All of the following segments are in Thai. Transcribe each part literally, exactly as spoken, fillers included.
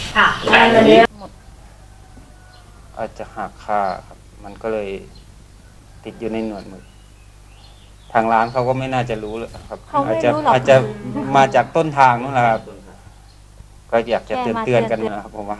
ค่ะอันนี้อาจจะหักค่าครับ มันก็เลยติดอยู่ในหนวดหมึกทางร้านเขาก็ไม่น่าจะรู้เลยครับเขาไม่อาจจะรู้หรอกอาจจะมาจากต้นทางนู่นแหละครับ ก็อยากจะเตือนเตือนกันนะครับผมว่า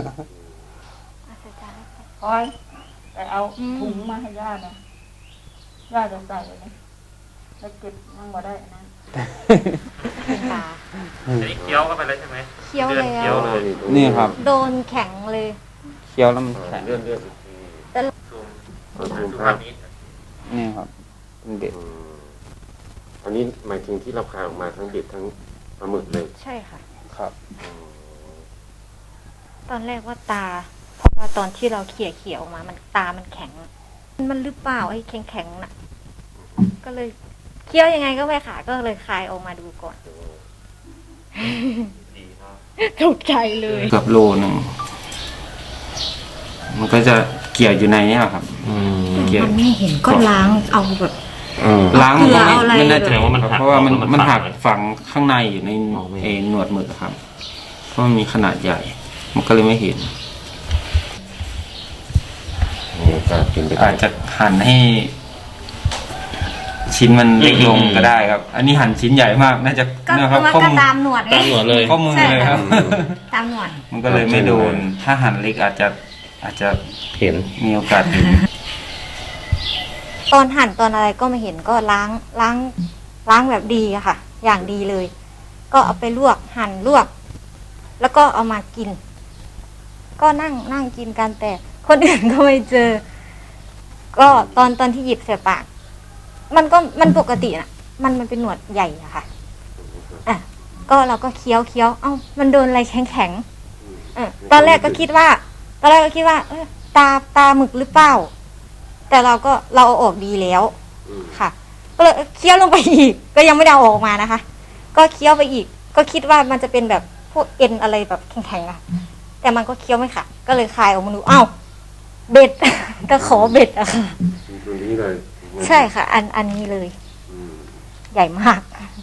คอยไปเอาถุงมาให้ย่าหน่อยย่าจะใส่เลยแล้วเก็บมันบ่ได้นะตาอันนี้เคี้ยวเข้าไปแล้วใช่ไหมเคี้ยวเลือดแล้เคี้ยววเลยนี่ครับโดนแข็งเลยเคี้ยวแล้วมันแข็งเลือดเลือดอีกทีแต่ซูมเอาซูมดูภาภาพพนี้นี่ครับเป็นเด็ดอืมอันนี้หมายถึงที่เราคายออกมาทั้งเบ็ดทั้งปลาหมึกเลยใช่ค่ะครับอืมตอนแรกว่าตา เพราะว่าตอนที่เราเขี่ยเขี่ยออกมา มันตามันแข็ง มันหรือเปล่าไอ้แข็งแข็งๆน่ะ ก็เลยเคี้ยวยังไงก็ไม่ขาดก็เลยคายออกมาดูก่อนดีเนาะตกใจเลยเกือบโลหนึ่งมันก็จะเกี่ยวอยู่ในนี้ครับอืมเกี่ยวมันไม่เห็นก็ล้างเอาแบบเออล้างมันก็เกลือเอาอะไรไม่น่าจะแสดงว่ามันหักเพราะว่ามันแล้วมันหักไว้ฝังข้างในอยู่ในมองไม่เห็นเอหนวดหมึกครับ เพราะมันมีขนาดใหญ่ มันก็เลยไม่เห็นมีโอกาสกินไปได้อาจจะหั่นให้ ชิ้นมันเล็กลงก็ได้ครับ อันนี้หั่นชิ้นใหญ่มาก น่าจะก็นะคเพรับราะว่าข้อก็มือตามหนวดไงตามหนวดเลยข้อมือเลยครับตามหนวดมันก็เลยไม่โดน ถ้าหั่นเล็กอาจจะอาจจะเห็นมีโอกาสเห็นตอนหั่นตอนอะไรก็ไม่เห็นก็ล้างล้างล้างแบบดีอะค่ะ อย่างดีเลย ก็เอาไปลวกหั่นลวก แล้วก็เอามากิน ก็นั่งนั่งกินกันแต่คนอื่นก็ไม่เจอ ก็ตอนตอนที่หยิบใส่ปาก มันก็มันปกติน่ะ มันมันเป็นหนวดใหญ่อะค่ะอ่ะก็เราก็เคี้ยวเคี้ยวเอ้ามันโดนอะไรแข็งแข็งๆเออตอนแรกก็คิดว่า ตอนแรกก็คิดว่า เออตาตาหมึกหรือเปล่า แต่เราก็เราเอาออกดีแล้วอืมค่ะ ก็เลยเคี้ยวลงไปอีก ก็ยังไม่ได้เอาออกมานะคะ ก็เคี้ยวไปอีก ก็คิดว่ามันจะเป็นแบบพวกเอ็นอะไรแบบแข็งๆอะแต่มันก็เคี้ยวไม่ขาดก็เลยคายออกมาดูอ้าวเบ็ด ตะขอเบ็ดอะค่ะตรงนี้เลยใช่ค่ะ อันอันนี้เลยอืมใหญ่มาก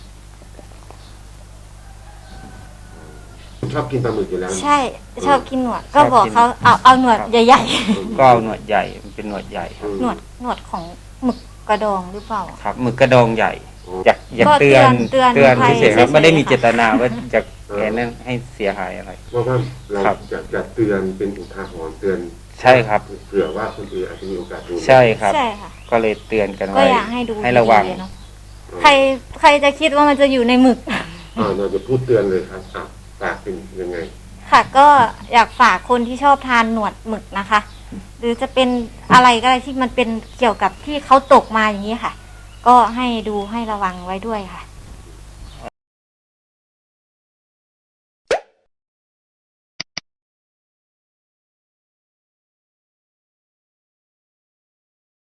ชอบกินปลาหมึกอยู่แล้วใช่ชอบกินหนวดชก็อบกินบอกเขาเอาเอาหนวดครับใหญ่ก็เอาหนวดใหญ่ มันเป็นหนวดใหญ่ครับๆหนวดหนวดของหมึกกระดองหรือเปล่าครับหมึกกระดองใหญ่ อยากอยากก็เตือนเตือนเตือนภัยเฉยๆครับเฉยๆไม่ได้มีค่ะเจตนาว่าจะแกนั่นให้เสียหายอะไรว่าว่าเราครับจะจะเตือนเป็นอุทาหรณ์เตือนใช่ครับเผื่อว่าคนอื่นอาจจะมีโอกาสดูใช่ครับใช่ค่ะก็เลยเตือนกันก็ไว้อยากให้ดูให้ระวังดีๆเนาะใครใครจะคิดว่ามันจะอยู่ในหมึกอ่าเราจะพูดเตือนเลยครับอ่ะปากเป็นยังไงค่ะก็อยากฝากคนที่ชอบทานหนวดหมึกนะคะ หรือจะเป็นอะไรก็ได้ที่มันเป็นเกี่ยวกับที่เขาตกมาอย่างนี้ค่ะ ก็ให้ดูให้ระวังไว้ด้วยค่ะ